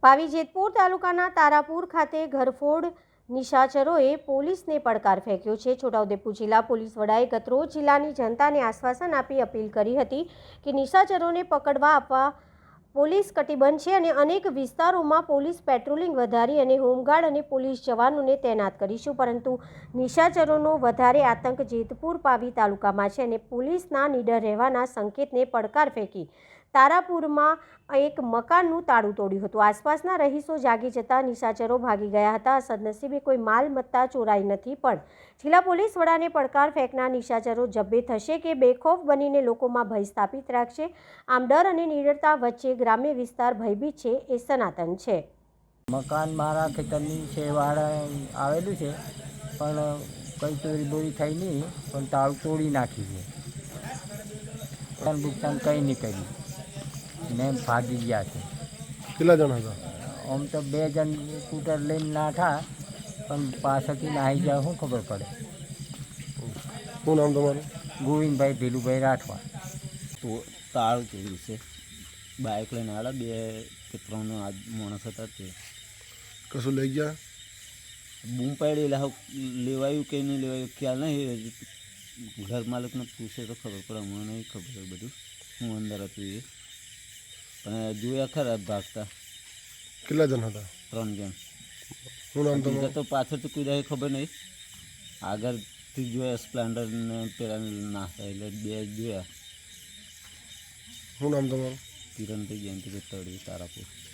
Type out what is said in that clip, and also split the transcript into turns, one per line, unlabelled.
પાવી જેતપુર તાલુકાના તારાપુર ખાતે ઘરફોડ નિશાચરોએ પોલીસને પડકાર ફેંક્યો છે। છોટાઉદેપુર જિલ્લા પોલીસ વડાએ ગતરોજ જિલ્લાની જનતાને આશ્વાસન આપી અપીલ કરી હતી કે નિશાચરોને પકડવા આપવા પોલીસ કટિબદ્ધ છે અને અનેક વિસ્તારોમાં પોલીસ પેટ્રોલિંગ વધારી અને હોમગાર્ડ અને પોલીસ જવાનોને તૈનાત કરીશું, પરંતુ નિશાચરોનો વધારે આતંક જેતપુર પાવી તાલુકામાં છે અને પોલીસના નીડર રહેવાના સંકેતને પડકાર ફેંકી તારાપુરમાં એક મકાનનું તાળું તોડ્યું હતું। આસપાસના રહીશો જાગી જતા નિશાચરો ભાગી ગયા હતા। સદનસીબે કોઈ માલ મત્તા ચોરાઈ નથી, પણ જિલ્લા પોલીસ વડાને પડકાર ફેંકનાર નિશાચરો જબ્બે થશે કે બેખૌફ બનીને લોકોમાં ભય સ્થાપિત રાખશે? આમ ડર અને નિડરતા વચ્ચે ગ્રામ્ય વિસ્તાર ભયભીત છે એ સનાતન છે।
મકાન મારા ખેતરની છેવાડે આવેલું છે, પણ કંઈ ચોરી બોરી થઈ નહીં, પણ તાળું તોડી નાખ્યું છે। નુકસાન કંઈ નહીં કર્યું ને ભાગી ગયા છે।
કેટલા જણ હતા?
આમ તો 2 જણ સ્કૂટર લઈને નાઠા, પણ પાછળથી નાહી જાય શું ખબર પડે।
શું નામ તમારું?
ગોવિંદભાઈ ભીલુભાઈ રાઠવા।
તો તાળું તોડ્યું છે, બાઇક લઈને આવ્યા 2 કે 3 માણસ હતા તે
કશું લઈ ગયા?
બૂમ પાડી લેવાયું કે નહીં લેવાયું ખ્યાલ નહીં, ઘર માલિકને પૂછે તો ખબર પડે, મને નહીં ખબર બધું હું અંદર હતું એ, પણ જોયા ખરા ભાગતા।
કેટલા જણ હતા?
3 જણ।
શું નામ
બીજા
તમારું?
તો પાછળથી કોઈ રહે ખબર નહીં, આગળથી જોયા સ્પ્લેન્ડર ને પેલા નાસ્તા એટલે 2 જોયા।
શું નામ તમારું?
કિરણભાઈ જયંતિભાઈ તળવી તારાપુર।